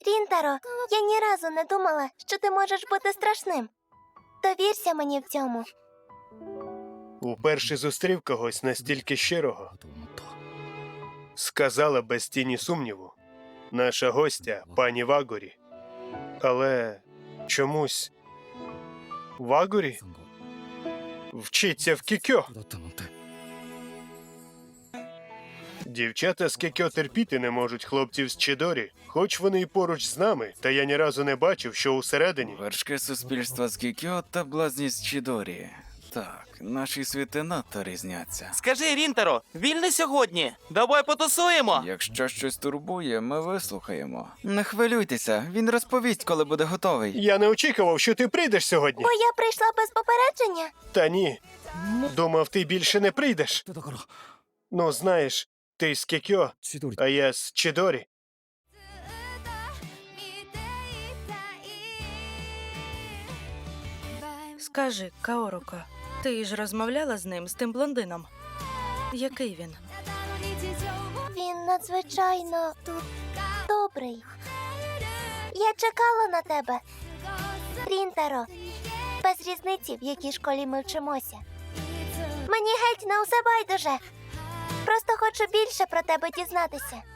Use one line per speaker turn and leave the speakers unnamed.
Рінтаро, я ні разу не думала, що ти можеш бути страшним. Довірся мені в цьому.
Уперше зустрів когось настільки щирого. Сказала без тіні сумніву. Наша гостя, пані Вагорі. Але чомусь... Вагорі? Вчиться в кікьо. Дівчата з кікьо терпіти не можуть хлопців з Чидорі, хоч вони і поруч з нами, та я ні разу не бачив, що усередині.
Вершки суспільства з Кікьо та блазність Чідорі. Так, наші світи надто різняться.
Скажи, Рінтаро, вільний сьогодні? Давай потусуємо.
Якщо щось турбує, ми вислухаємо. Не хвилюйтеся, він розповість, коли буде готовий.
Я не очікував, що ти прийдеш сьогодні.
Бо я прийшла без попередження.
Та ні. Думав, ти більше не прийдеш. Ну, знаєш, ти з кікьо, а я з Чидорі.
Скажи, Каоруко, ти ж розмовляла з ним, з тим блондином? Який він?
Він надзвичайно добрий. Я чекала на тебе. Рінтаро, без різниці, в якій школі ми вчимося. Мені геть на усе байдуже. Просто хочу більше про тебе дізнатися.